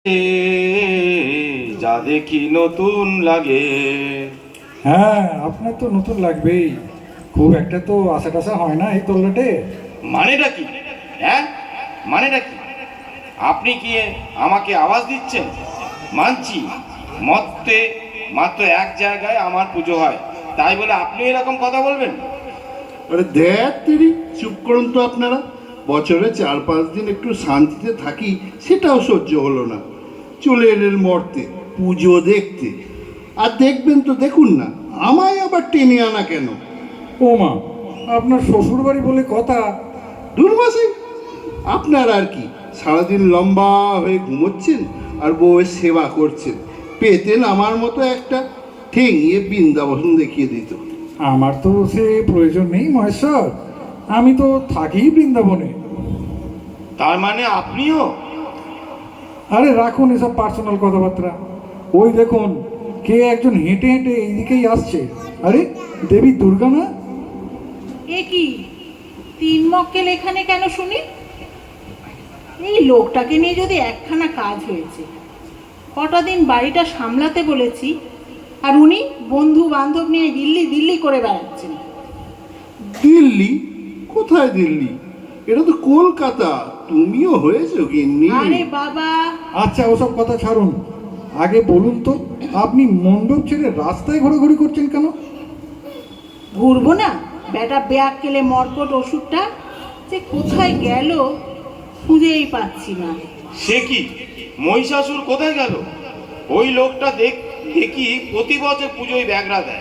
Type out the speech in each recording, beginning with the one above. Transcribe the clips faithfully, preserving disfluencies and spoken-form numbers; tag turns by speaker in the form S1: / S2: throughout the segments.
S1: যা দেখি নতুন লাগে।
S2: হ্যাঁ, আপনার তো নতুন লাগবেই। খুব একটা তো আশা টাশা হয় না এই তল্লাটে।
S1: মানেটা কি? হ্যাঁ, মানেটা কি? আপনি কি আমাকে আওয়াজ দিচ্ছেন? মানছি, মতে মাত্র এক জায়গায় আমার পুজো হয়, তাই বলে আপনি এরকম কথা বলবেন?
S3: আরে দেখ তিরি, চুপ করুন তো আপনারা। বছরে চার পাঁচ দিন একটু শান্তিতে থাকি, সেটাও সহ্য হলো না। চলে এলেন মর্তে পুজো দেখতে। আর দেখবেন তো দেখুন না, আমায় আবার টেনে আনা কেন?
S2: ও মা, আপনার শ্বশুর বাড়ি বলে কথা।
S3: দুর্মাসে আপনার আর কি, সারাদিন লম্বা হয়ে ঘুমোচ্ছেন আর বউয়ের সেবা করছেন। পেতেন আমার মতো একটা ঠেঙিয়ে বৃন্দাবন দেখিয়ে দিত।
S2: আমার তো সে প্রয়োজন নেই মহেশ্বর, আমি তো থাকি বৃন্দাবনে।
S1: তার মানে আপনিও?
S2: আরে রাখুন এসব পার্সোনাল কথাবার্তা। ওই দেখুন, কে একজন হেঁটে হেঁটে এইদিকেই আসছে। আরে দেবী দুর্গা না?
S4: এ কি তিন মক্কেল এখানে কেন শুনি? এই লোকটাকে নিয়ে যদি একখানা কাজ হয়েছে। কটা দিন বাড়িটা সামলাতে বলেছি, আর উনি বন্ধু বান্ধব নিয়ে দিল্লি দিল্লি করে বেড়াচ্ছেন।
S3: দিল্লি? কোথায় দিল্লি? এটা তো কলকাতা। তুমিও হয়েছো গিন্নি?
S4: আরে বাবা,
S2: আচ্ছা ওসব কথা ছাড়ুন, আগে বলুন তো আপনি মণ্ডপ ছেড়ে রাস্তায় ঘোরাঘুরি করছেন কেন?
S4: ঘুরবো না? বেটা ব্যাগ কেলে মরকট ওষুধটা যে কোথায় গেল খুঁজেই পাচ্ছি না।
S1: সে কি, মহিষাসুর কোথায় গেল? ওই লোকটা দেখ দেখি প্রতি বছর পুজোয় ব্যাগরা দেয়।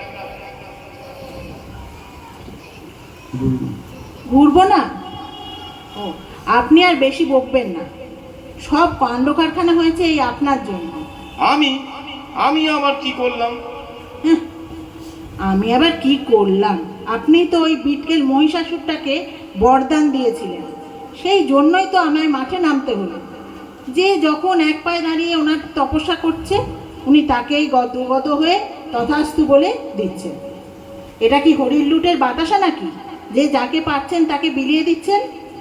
S4: ঘুরবো না? ও, আপনি আর বেশি বকবেন না। সব কাণ্ড কারখানা হয়েছে এই আপনার জন্য।
S1: আমি আমি আবার কি করলাম?
S4: হ্যাঁ, আমি আবার কি করলাম? আপনি তো ওই বিটকেল মহিষাসুরটাকে বরদান দিয়েছিলেন, সেই জন্যই তো আমায় মাঠে নামতে হলো। যে যখন এক পায়ে দাঁড়িয়ে ওনার তপস্যা করছে, উনি তাকেই গদগদ হয়ে তথাস্তু বলে দিচ্ছেন। এটা কি হরির লুটের বাতাসা নাকি, যে যাকে পাচ্ছেন তাকে বিলিয়ে দিচ্ছেন?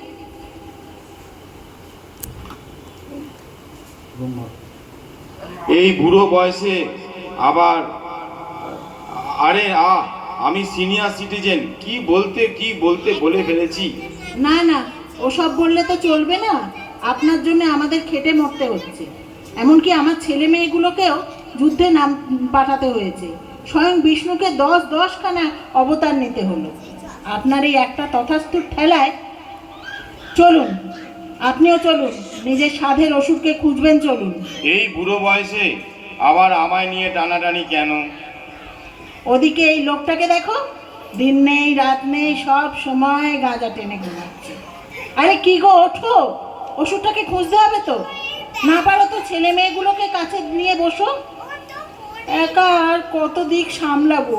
S1: এই বুড়ো বয়সে আবার, আরে আ আমি সিনিয়র সিটিজেন, কি বলতে কি বলতে বলে ফেলেছি।
S4: না না, ওসব বললে তো চলবে না। আপনার জন্য আমাদের খেটে মরতে হচ্ছে। এমনকি আমার ছেলে মেয়েগুলোকেও যুদ্ধে নাম পাঠাতে হয়েছে। স্বয়ং বিষ্ণুকে দশ দশখানা অবতার নিতে হলো আপনার এই একটা তথাস্তুর ঠেলায়। চলুন, আপনিও চলুন, নিজের সাধের ওষুধকে খুঁজবেন। চলুন।
S1: এই বুড়ো বয়সে আবার আমায় নিয়ে টানাটানি কেন?
S4: ওদিকে এই লোকটাকে দেখো, দিন নেই রাত নেই সব সময় গাঁজা টেনে ঘুমাচ্ছে। আরে কি গো, ওঠো, ওষুধটাকে খুঁজতে হবে তো। না পারো তো ছেলে মেয়েগুলোকে কাছে নিয়ে বসো। একা আর কত দিক সামলাবো?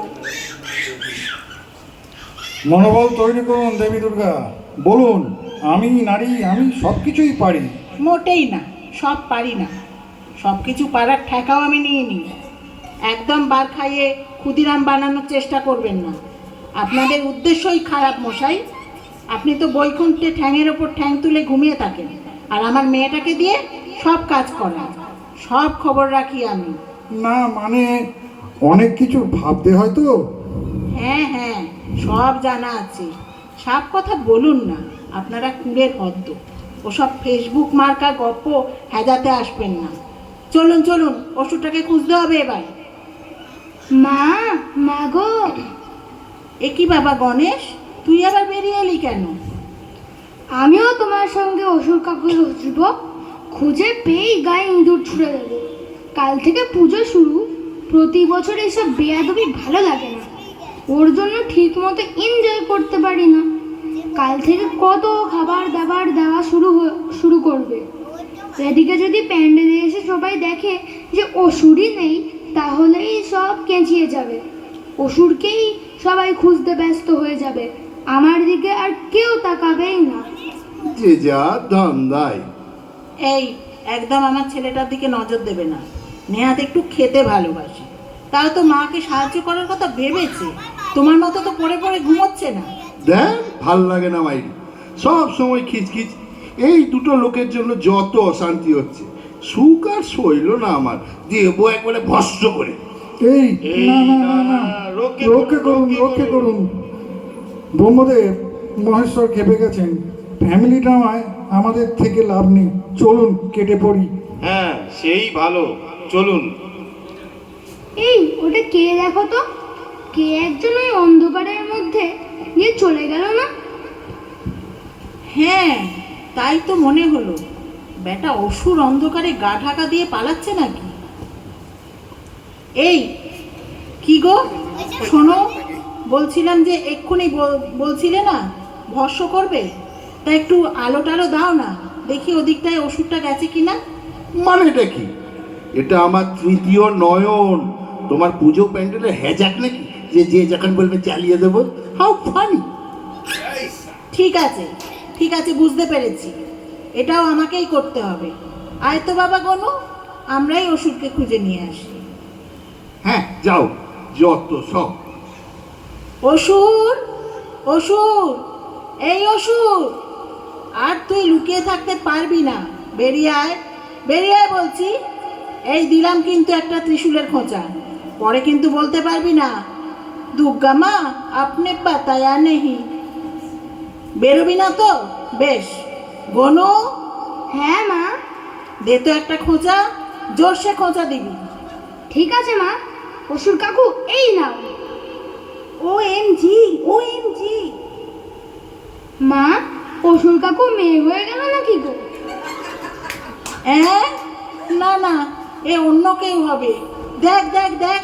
S2: মনোবল তৈরি করুন দেবী দুর্গা। বলুন, আমি নারী, আমি সব কিছুই পারি।
S4: মোটেই না, সব পারি না। সব কিছু পারার ঠেকাও আমি নিয়ে নিই। একদম বার খাইয়ে ক্ষুদিরাম বানানোর চেষ্টা করবেন না। আপনাদের উদ্দেশ্যই খারাপ মশাই। আপনি তো বৈকুণ্ঠে ঠ্যাঙের ওপর ঠ্যাং তুলে ঘুমিয়ে থাকেন, আর আমার মেয়েটাকে দিয়ে সব কাজ করান। সব খবর রাখি আমি।
S2: না মানে, অনেক কিছু ভাবতে হয় তো।
S4: হ্যাঁ হ্যাঁ, সব জানা আছে। সব কথা বলুন না, আপনারা কুঁড়ের হদ্দ। ওসব ফেসবুক মার্কা গপ্প হেজাতে আসবেন না। চলুন চলুন, ওষুধটাকে খুঁজতে হবে এবার।
S5: মা, মা গো।
S4: এ কি বাবা গণেশ, তুই আবার বেরিয়ে এলি কেন?
S5: আমিও তোমার সঙ্গে অসুর কাকুকে খুঁজব। খুঁজে পেয়েই গায়ে ইঁদুর ছুঁড়ে দেবো। কাল থেকে পুজো শুরু। প্রতি বছর এসব বেয়াদবি ভালো লাগে না। ওর জন্য ঠিক মতো এনজয় করতে পারি না। কাল থেকে কত খাবার দাবার দেওয়া শুরু শুরু করবে। এদিকে যদি প্যান্ডেলে এসে সবাই দেখে যে অসুরই নেই, তাহলেই সব কেঁচিয়ে যাবে। অসুরকেই সবাই খুঁজতে ব্যস্ত হয়ে যাবে। আমার দিকে আর কেউ তাকাবেই না।
S3: যে যা ধান্দায়।
S4: এই, একদম আমার ছেলেটার দিকে নজর দেবে না। নেহাত একটু খেতে ভালোবাসে, তাও তো মাকে সাহায্য করার কথা ভেবেছে। তোমার মতো তো পড়ে পড়ে ঘুমোচ্ছে না।
S3: দেখ, ভাল লাগে না মাইরি, সব সময় খিচখিচ। এই দুটো লোকের জন্য যত অশান্তি হচ্ছে। সুখ আর সইল না আমার, দেবো একবারে ভস্ম করে।
S2: এই
S3: এই
S2: না না না না
S3: না, রক্ষে
S2: রক্ষে করুন
S3: করুন,
S2: রক্ষে করুন। ব্রহ্মদেব মহেশ্বর খেপে গেছেন, ফ্যামিলি ড্রামায় আমাদের থেকে লাভ নেই, চলুন কেটে পড়ি।
S1: হ্যাঁ সেই ভালো, চলুন।
S5: এই ওটা কে দেখো তো, কে একজন ওই অন্ধকারের মধ্যে গিয়ে চলে গেল না?
S4: হ্যাঁ তাই তো মনে হলো, বেটা অসুর অন্ধকারে গা ঢাকা দিয়ে পালাচ্ছে নাকি? এই কি গো, শোনো, বলছিলাম যে এক্ষুনি বল- বলছিলে না ভস্য করবে, তা একটু আলো টালো দাও না, দেখি ওদিকটায় ওষুধটা গেছে কিনা।
S3: মানে এটা কি? এটা আমার তৃতীয় নয়ন। তোমার পুজো প্যান্ডেলে হ্যাজাক নাকি যে যে যখন বলবে চালিয়ে দেবো? How funny!
S4: ঠিক আছে ঠিক আছে, বুঝতে পেরেছি, এটাও আমাকেই করতে হবে। আয় তো বাবা গনু, আমরাই ওষুধকে খুঁজে নিয়ে আসি।
S3: হ্যাঁ যাও, যত সব।
S4: অসুর, অসুর, এই অসুর, আর তুই লুকিয়ে থাকতে পারবি না, বেরিয়ে আয়, বেরিয়ে আয় বলছি। এই দিলাম কিন্তু একটা ত্রিশূলের খোঁচা, পরে কিন্তু বলতে পারবি না দুর্গা মা আপনি পাতায়া নেহি। বেরোবি না তো? বেশ। গনু,
S5: হ্যাঁ মা।
S4: দে তো একটা খোঁচা, জোরসে খোঁচা দিবি।
S5: ঠিক আছে মা। অসুর কাকু এই নাও।
S4: ও এম জি, ও এম জি।
S5: মা, অসুর কাকু মেয়ে হয়ে গেল নাকি গো?
S4: হ্যাঁ, না না, এ অন্য কেউ হবে। দেখ দেখ দেখ,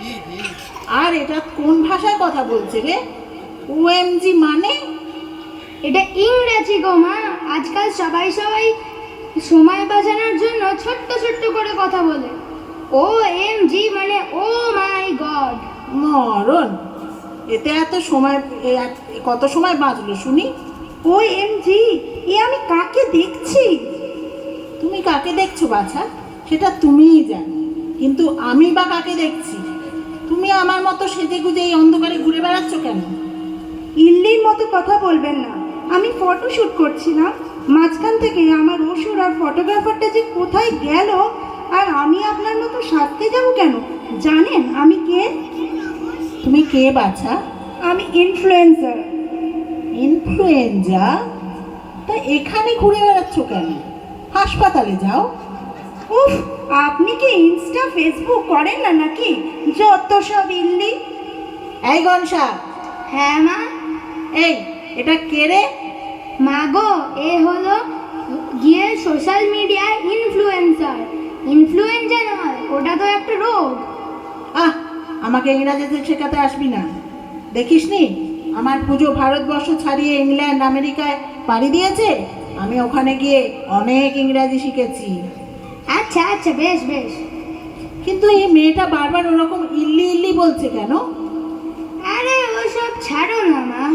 S4: আর এটা কোন ভাষায় কথা বলছে রে? ও এম জি মানে?
S5: এটা ইংরেজি গো মা। আজকাল সবাই সবাই সময় বাঁচানোর জন্য ছোট্ট ছোট্ট করে কথা বলে। ও এম জি মানে ও মাই গড।
S4: মরণ, এতে এত সময়, এ এক- এ কত সময় বাঁচলো শুনি? ও এম জি, এ আমি কাকে দেখছি? তুমি কাকে দেখছো বাছা, সেটা তুমিই জানো, কিন্তু আমি বা কাকে দেখছি? তুমি আমার মতো সেজে গুজে এই অন্ধকারে ঘুরে বেড়াচ্ছ কেন?
S6: ইল্লির মতো কথা বলবেন না, আমি ফটো শুট করছিলাম, মাঝখান থেকে আমার অসুর আর ফটোগ্রাফারটা যে কোথায় গেল, আর আমি আপনার মতো সাজতে যাব কেন? জানেন আমি কে?
S4: তুমি কে বাছা?
S6: আমি ইনফ্লুয়েন্সার।
S4: ইনফ্লুয়েঞ্জা? তা এখানে ঘুরে বেড়াচ্ছ কেন? হাসপাতালে যাও।
S6: উফ, আপনি কি ইনস্টা ফেসবুক করেন না নাকি? যত সব ইল্লি।
S4: এই গনসা,
S5: হ্যাঁ মা।
S4: এই এটা কে রে?
S5: মা গো, এ হলো গিয়ে সোশ্যাল মিডিয়ায় ইনফ্লুয়েন্সার। ইনফ্লুয়েঞ্জা নয়, ওটা তো একটা রোগ।
S4: আহ, আমাকে ইংরাজিতে শেখাতে আসবি না। দেখিসনি আমার পুজো ভারতবর্ষ ছাড়িয়ে ইংল্যান্ড আমেরিকায় পাড়ি দিয়েছে, আমি ওখানে গিয়ে অনেক ইংরাজি শিখেছি।
S5: আচ্ছা আচ্ছা, বেশ বেশ।
S4: কিন্তু এই মেয়েটা বারবার ওরকম ইল্লি ইল্লি বলছে কেন?
S5: আরে ওসব ছাড়ো না মা।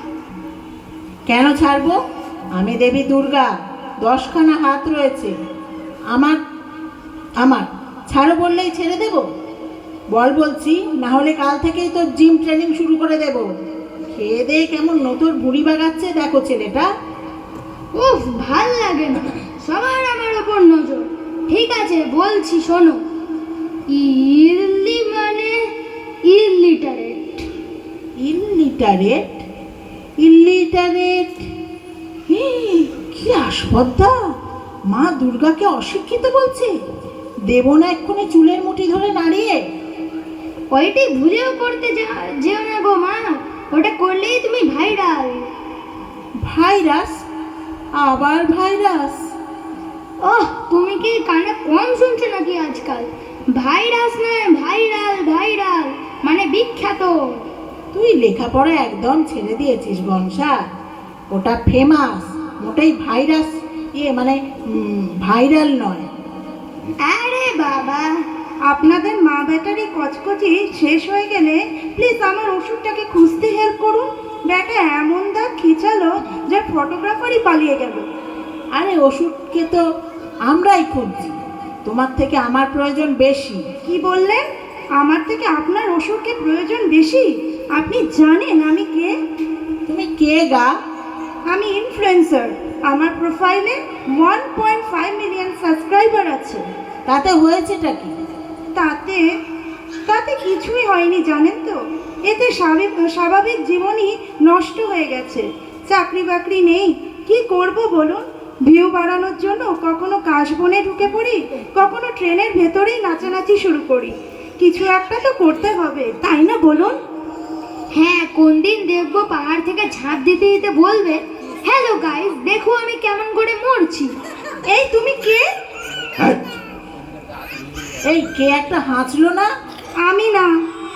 S4: কেন ছাড়বো? আমি দেবী দুর্গা, দশখানা হাত রয়েছে আমার। আমার ছাড়ো বললেই ছেড়ে দেব? বল বলছি, না হলে কাল থেকেই তোর জিম ট্রেনিং শুরু করে দেব। খেয়ে দিয়ে কেমন নতুন বুড়ি বাগাচ্ছে দেখো ছেলেটা।
S5: উফ, ভাল লাগে না, সবার আমার ওপর নজর। ঠিক আছে বলছি, শোনো। ইল্লি মানে ইলিটারেট।
S4: ইলিটারেট? ইলিটারেট? কি আস্পর্ধা! মা দুর্গাকে অশিক্ষিত বলছে। দেব না এক্ষুনি চুলের মুঠি ধরে নাড়িয়ে।
S5: ওইটি ভুলেও করতে যা- যেও না গো মা, ওটা করলেই তুমি ভাইরাল।
S4: ভাইরাস? আবার ভাইরাস?
S5: ওহ, তুমি কি কানে কম শুনছো নাকি আজকাল? ভাইরাস নয়, ভাইরাল। ভাইরাল মানে বিখ্যাত।
S4: তুই লেখাপড়া একদম ছেড়ে দিয়েছিস গনসা। ওটা ফেমাস, মোটেই ভাইরাস ইয়ে মানে উম, ভাইরাল নয়।
S5: আরে বাবা,
S6: আপনাদের মা ব্যাটারি কচকচি শেষ হয়ে গেলে প্লিজ আমার ওষুধটাকে খুঁজতে হেল্প করুন। ব্যাটা এমন দাগ খিচালো যে ফটোগ্রাফারই পালিয়ে গেল।
S4: আরে ওষুধকে তো আমরাই খুঁজছি, তোমার থেকে আমার প্রয়োজন বেশি।
S6: কি বললেন? আমার থেকে আপনার ওষুধকে প্রয়োজন বেশি? আপনি জানেন আমি কে?
S4: তুমি কে গা?
S6: আমি ইনফ্লুয়েন্সার। আমার প্রোফাইলে one point five million subscriber আছে।
S4: তাতে হয়েছেটা কি?
S6: তাতে তাতে কিছুই হয়নি জানেন তো। এতে স্বাভাবিক স্বাভাবিক জীবনই নষ্ট হয়ে গেছে। চাকরি বাকরি নেই, কি করব বলুন? ভিউ বাড়ানোর জন্য কখনো কাশবনে ঢুকে পড়ি, কখনো ট্রেনের ভেতরেই নাচানাচি শুরু করি। কিছু একটা তো করতে হবে, তাই না বলুন?
S5: হ্যাঁ, কোন দিন দেখবো পাহাড় থেকে ঝাঁপ দিতে দিতে বলবে, হ্যালো গাইস, দেখো আমি কেমন করে মরছি।
S6: এই তুমি কে?
S1: হ্যাঁ,
S4: এই কে একটা হাঁচলো না?
S6: আমি না।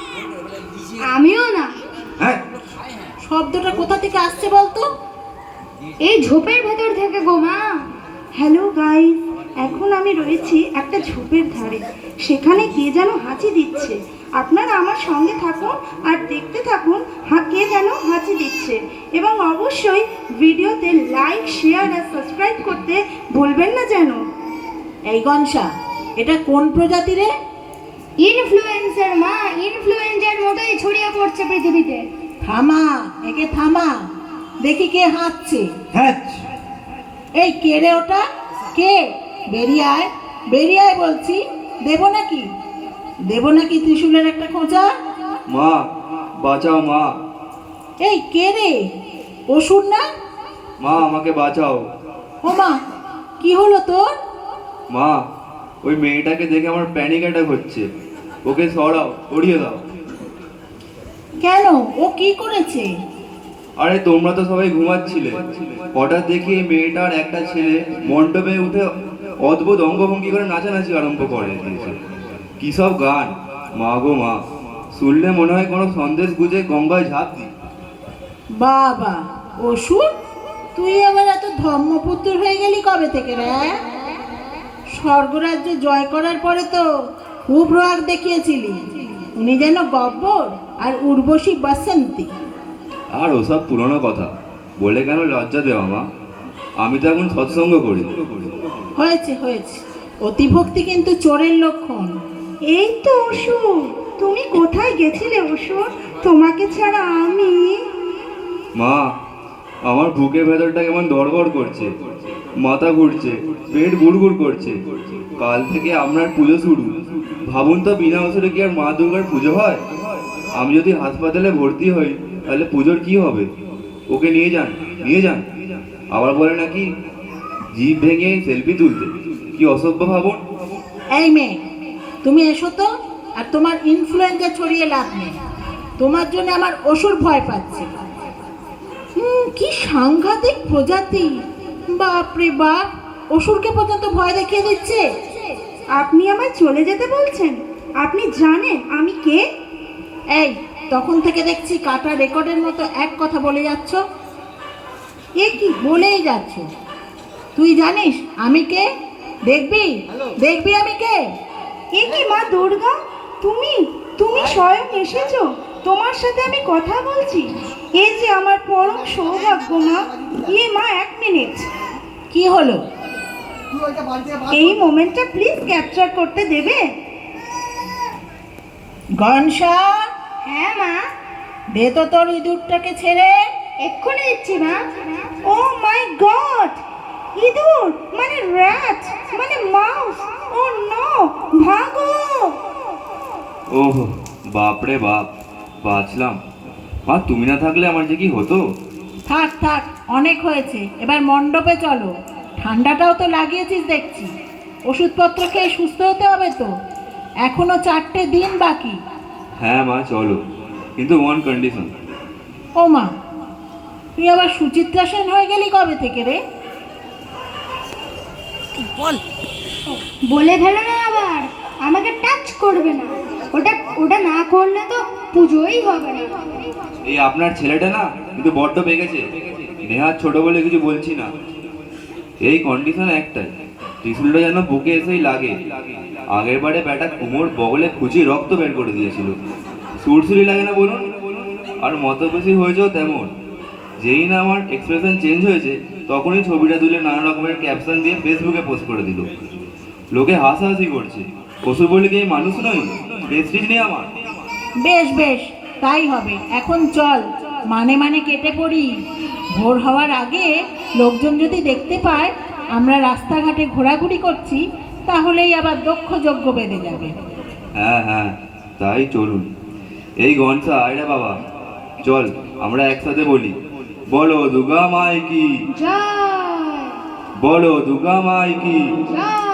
S5: আমিও না।
S1: হ্যাঁ,
S4: শব্দটা কোথা থেকে আসছে বলতো?
S5: এই ঝোপের ভেতর থেকে গো মা।
S6: হ্যালো গাইস, এখন আমি রয়েছি একটা ঝোপের ধারে। সেখানে কে যেন হাঁচি দিচ্ছে। আপনারা আমার সঙ্গে থাকুন আর দেখতে থাকুন হা কে যেন হাঁচি দিচ্ছে। এবং অবশ্যই ভিডিওতে লাইক, শেয়ার আর সাবস্ক্রাইব করতে ভুলবেন না যেন।
S4: এই গনসা, এটা কোন প্রজাতি রে?
S5: ইনফ্লুয়েন্সার মা, ইনফ্লুয়েন্সার মতোই ছড়িয়ে পড়ছে পৃথিবীতে।
S4: থামা, একে থামা, দেখি কে হাঁচছে।
S1: হ্যাঁ,
S4: এই কে রে ওটা? কে? বেরিয়ে আয়, বেরিয়ে আয় বলছি। দেবো নাকি? দেবো নাকি ত্রিশূলের একটা খোঁচা?
S7: মা বাঁচাও মা,
S4: এই কে রে? অসুর না?
S7: মা আমাকে বাঁচাও।
S4: ও মা, কি হলো তোর?
S7: মা ওই মেয়েটাকে দেখে আমার প্যানিক অ্যাটাক হচ্ছে, ওকে সরাও, সরিয়ে দাও।
S4: কেন, ও কি করেছে?
S7: আরে তোমরা তো সবাই ঘুমাচ্ছিলে, হঠাৎ দেখি এই মেয়েটার একটা ছেলে মণ্ডপে উঠে অদ্ভুত অঙ্গভঙ্গি করে নাচানাচি আরম্ভ করে দিয়েছে। কি সব গান, মা গো মা, শুনলে মনে হয় কোনো সন্দেশ গুজে গঙ্গায় ঝাঁপ দিই।
S4: বাবা, অসুর, তুই আবার এত ধর্মপুত্র হয়ে গেলি কবে থেকে রে? স্বর্গরাজ্য জয় করার পরে তো খুব রাগ দেখিয়েছিলি। উনি যেন গব্বর আর উর্বশী বাসন্তী।
S7: আর ওসব পুরনো কথা বলে কেন লজ্জা দেওয়া মা, আমি তো এখন সৎসঙ্গ করি।
S4: হয়েছে হয়েছে, অতিভক্তি কিন্তু চোরের লক্ষণ।
S6: এই তো অসুর, তুমি কোথায় গেছিলে অসুর? তোমাকে ছাড়া আমি।
S7: মা আমার বুকের ভেতরটা কেমন দড়বড় করছে, মাথা ঘুরছে, পেট গুড়গুড় করছে। কাল থেকে আপনার পুজো শুরু। ভাবুন তো, বিনা ওষুধে কি আর মা দুর্গার পুজো হয়? আমি যদি হাসপাতালে ভর্তি হই তাহলে পুজোর কি হবে? ওকে নিয়ে যান, নিয়ে যান। আবার বলে নাকি জিভ ভেঙে সেলফি তুলতে, কি অসভ্য ভাবুন।
S4: এই মেয়ে, তুমি এসো তো। আর তোমার ইনফ্লুয়েঞ্জা ছড়িয়ে লাভ নেই। তোমার জন্য আমার অসুর ভয় পাচ্ছে। হুম, কি সাংঘাতিক প্রজাতি! বাপরে বাপ, অসুরকে পর্যন্ত ভয় দেখিয়ে দিচ্ছে।
S6: আপনি আমায় চলে যেতে বলছেন? আপনি জানেন আমি কে?
S4: এই, তখন থেকে দেখছি কাটা রেকর্ডের মতো এক কথা বলে যাচ্ছ। এ কি বলেই যাচ্ছ? তুই জানিস আমি কে? দেখবি, দেখবি আমি কে?
S6: এ কি মা দুর্গা, তুমি তুমি স্বয়ং এসেছো? তোমার সাথে আমি কথা বলছি, এই যে আমার পরম সৌভাগ্য মা। ইয়ে মা, এক মিনিট,
S4: কি হলো?
S6: এই মোমেন্টটা প্লিজ ক্যাপচার করতে দেবে?
S4: গনসা,
S5: হ্যাঁ মা,
S4: দে তো তোর ইঁদুরটাকে ছেড়ে।
S5: এক্ষুনি দিচ্ছি মা।
S6: ও মাই গড, ইঁদুর মানে র্যাট মানে মাউস। ও নো, ভাগো!
S7: ওহ বাপরে বাপ, বাঁচলাম। মা তুমি না থাকলে আমার যে কি হতো।
S4: থাক থাক, অনেক হয়েছে, এবার মণ্ডপে চলো। ঠান্ডাটাও তো লাগিয়েছিস দেখছি। ওষুধপত্র খেয়ে সুস্থ হতে হবে তো, এখনো চারটে দিন বাকি।
S7: হ্যাঁ মা চলো, কিন্তু ওয়ান কন্ডিশন।
S4: ও মা, তুই আবার সুচিত্রা সেন হয়ে গেলি কবে থেকে রে?
S5: বলে ফেলো না আবার, আমাকে টাচ করবে না। ওটা ওটা না করলে তো পুজোই হবে না।
S7: এই আপনার ছেলেটা না কিন্তু বড্ড পেকেছে। নেহাত ছোট বলে কিছু বলছি না, এই কন্ডিশন একটাই, ত্রিশুলটা যেন বুকে এসেই লাগে। আগের বারে ব্যাটা কোমর বগলে খুঁজি রক্ত বের করে দিয়েছিল। সুরসুরি লাগে না বলুন? আর মতবেশী হয়েছেও তেমন। যেই না আমার এক্সপ্রেশন চেঞ্জ হয়েছে, তখনই ছবিটা তুলে নানা রকমের ক্যাপশন দিয়ে ফেসবুকে পোস্ট করে দিল। লোকে হাসাহাসি করছে। অসুর বলে কি আমি মানুষ নই? প্রেস্টিজ নেই আমার?
S4: বেশ বেশ, তাই হবে। এখন চল, মানে মানে কেটে পড়ি। ভোর হওয়ার আগে লোকজন যদি দেখতে পায় আমরা রাস্তাঘাটে ঘোরাঘুরি করছি, তাহলেই আবার দক্ষ যজ্ঞ বেঁধে যাবে।
S7: হ্যাঁ হ্যাঁ, তাই চলুন। এই গনসা আয়রা বাবা, চল আমরা একসাথে বলি, বলো দুর্গা মাই কি,
S5: জয়
S7: বলো দুর্গা মাই কি।
S5: জয়।